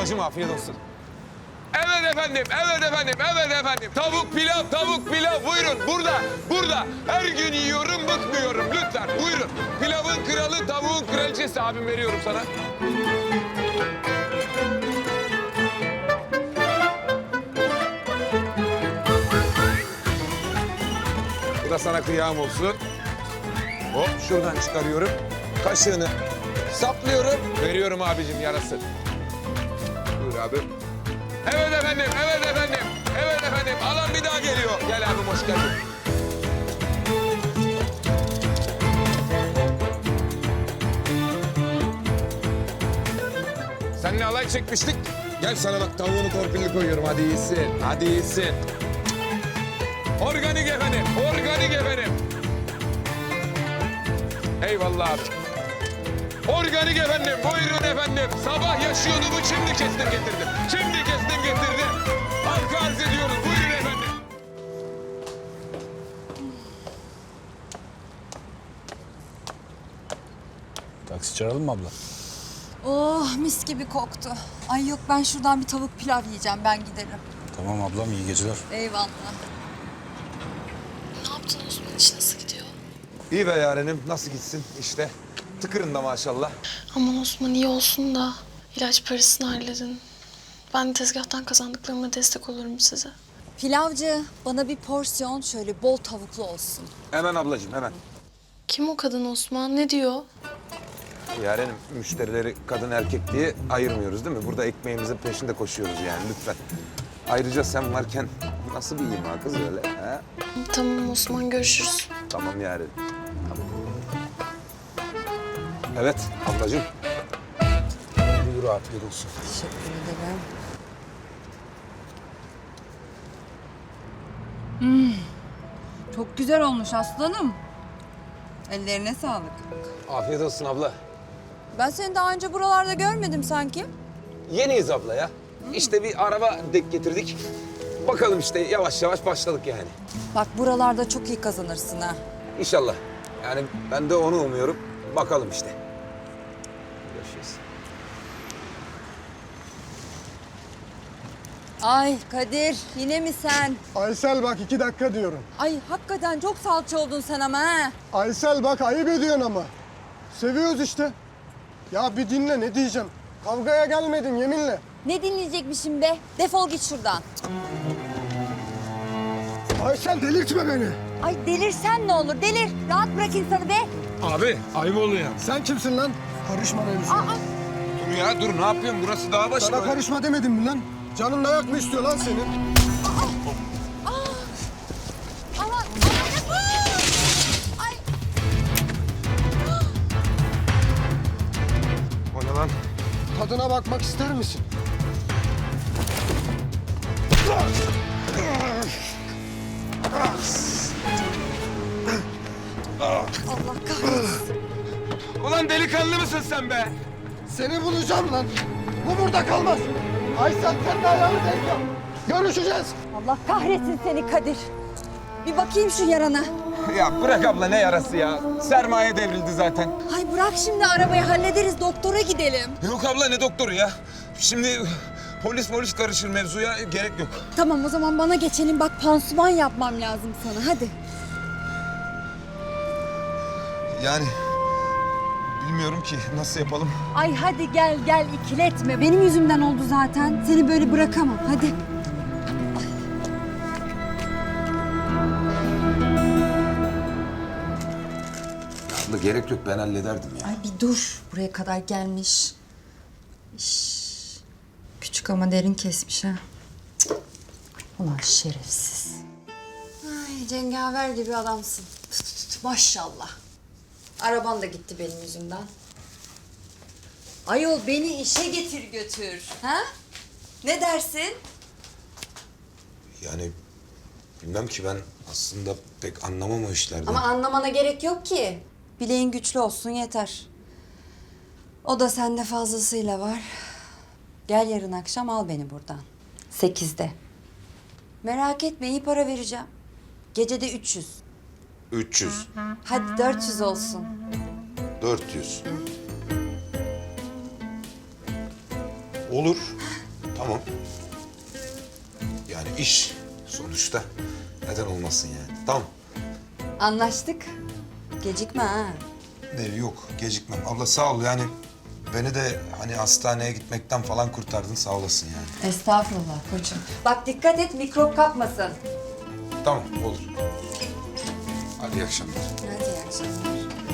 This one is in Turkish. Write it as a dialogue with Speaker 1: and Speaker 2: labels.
Speaker 1: Ablacığım afiyet olsun.
Speaker 2: Evet efendim, evet efendim, evet efendim. Tavuk pilav, tavuk pilav. Buyurun, burada, burada. Her gün yiyorum, bıkmıyorum. Lütfen, buyurun. Pilavın kralı, tavuğun kraliçesi. Abim veriyorum sana. Bu da sana kıyam olsun. Hop, şuradan çıkarıyorum. Kaşığını saplıyorum. Veriyorum abicim yarası. Buyur abi. Evet efendim, evet efendim. Evet efendim, alan bir daha geliyor. Gel abim, hoş geldin. Seninle alay çekmiştik. Gel sana bak tavuğunu torpilli koyuyorum. Hadi iyisin, hadi iyisin. Organik efendim, organik efendim. Eyvallah abi. Organik efendim, buyurun efendim. Sabah yaşıyordu bu, şimdi kestim getirdim. Şimdi kestim getirdim. Halka arz ediyoruz, buyurun efendim.
Speaker 3: Taksi çağıralım mı abla?
Speaker 4: Oh mis gibi koktu. Ay yok ben şuradan bir tavuk pilav yiyeceğim ben giderim.
Speaker 3: Tamam ablam, iyi geceler.
Speaker 4: Eyvallah.
Speaker 5: Ne yaptın Osman? İş nasıl gidiyor?
Speaker 1: İyi be yarenim, nasıl gitsin işte. Tıkırında maşallah.
Speaker 5: Aman Osman iyi olsun da ilaç parasını halledin. Ben de tezgahtan kazandıklarıma destek olurum size.
Speaker 4: Pilavcı bana bir porsiyon şöyle bol tavuklu olsun.
Speaker 1: Hemen ablacığım, hemen.
Speaker 5: Kim o kadın Osman? Ne diyor?
Speaker 1: Yarenim, müşterileri kadın erkek diye ayırmıyoruz değil mi? Burada ekmeğimizin peşinde koşuyoruz yani, lütfen. Ayrıca sen varken nasıl bir ima kız öyle, ha?
Speaker 5: Tamam Osman, görüşürüz.
Speaker 1: Tamam yarenim, tamam. Evet ablacığım.
Speaker 3: Buyur, afiyet olsun.
Speaker 4: Teşekkür ederim. Çok güzel olmuş aslanım. Ellerine sağlık.
Speaker 1: Afiyet olsun abla.
Speaker 4: Ben seni daha önce buralarda görmedim sanki.
Speaker 1: Yeniyiz abla ya. İşte bir araba denk getirdik. Bakalım işte yavaş yavaş başladık yani.
Speaker 4: Bak buralarda çok iyi kazanırsın ha.
Speaker 1: İnşallah. Yani ben de onu umuyorum. Bakalım işte. Görüşürüz.
Speaker 4: Ay Kadir yine mi sen?
Speaker 6: Aysel bak 2 dakika diyorum.
Speaker 4: Ay hakikaten çok salça oldun sen ama ha.
Speaker 6: Aysel bak ayıp ediyorsun ama. Seviyoruz işte. Ya bir dinle ne diyeceğim. Kavgaya gelmedim yeminle.
Speaker 4: Ne dinleyecekmişim be? Defol git şuradan.
Speaker 6: Aysel delirtme beni.
Speaker 4: Ay delirsen ne olur delir. Rahat bırak insanı be.
Speaker 1: Abi ayıp oluyor.
Speaker 6: Sen kimsin lan? Karışma mevzuna.
Speaker 1: Dur ya dur, ne yapıyorsun? Burası dağ başı.
Speaker 6: Sana karışma demedim mi lan? Canın dayak mı istiyor lan senin?
Speaker 4: Aman Ay
Speaker 1: O ne lan?
Speaker 6: Tadına bakmak ister misin?
Speaker 4: Allah kahretsin.
Speaker 2: Ulan delikanlı mısın sen be?
Speaker 6: Seni bulacağım lan. Bu burada kalmaz. Aysel sen de ayağını denk al. Görüşeceğiz.
Speaker 4: Allah kahretsin seni Kadir. Bir bakayım şu yarana.
Speaker 1: Ya bırak abla, ne yarası ya? Sermaye devrildi zaten.
Speaker 4: Ay bırak şimdi arabayı hallederiz doktora gidelim.
Speaker 1: Yok abla, ne doktoru ya? Şimdi polis karışır mevzuya, gerek yok.
Speaker 4: Tamam o zaman bana geçelim bak pansuman yapmam lazım sana hadi.
Speaker 1: Yani bilmiyorum ki nasıl yapalım.
Speaker 4: Ay hadi gel gel ikiletme. Benim yüzümden oldu zaten. Seni böyle bırakamam hadi.
Speaker 1: Abla gerek yok, ben hallederdim ya.
Speaker 4: Ay bir dur. Buraya kadar gelmiş. İş. Küçük ama derin kesmiş ha. Cık. Ulan şerefsiz. Ay cengaver gibi adamsın. Maşallah. Araban da gitti benim yüzümden. Ayol beni işe getir götür. Ha? Ne dersin?
Speaker 1: Yani bilmem ki, ben aslında pek anlamam o işlerden.
Speaker 4: Ama anlamana gerek yok ki. Bileğin güçlü olsun yeter. O da sende fazlasıyla var. Gel yarın akşam al beni buradan. 8'de. Merak etme iyi para vereceğim. Gecede 300.
Speaker 1: 300,
Speaker 4: Hadi 400 olsun.
Speaker 1: 400. Olur. Tamam. Yani iş sonuçta. Neden olmasın yani? Tamam.
Speaker 4: Anlaştık. Gecikme ha.
Speaker 1: Yok gecikmem. Abla sağ ol yani. Beni de hani hastaneye gitmekten falan kurtardın sağ olasın yani.
Speaker 4: Estağfurullah koçum. Bak dikkat et mikrop kapmasın.
Speaker 1: Tamam olur. Hadi iyi akşamlar.
Speaker 4: Hadi iyi akşamlar.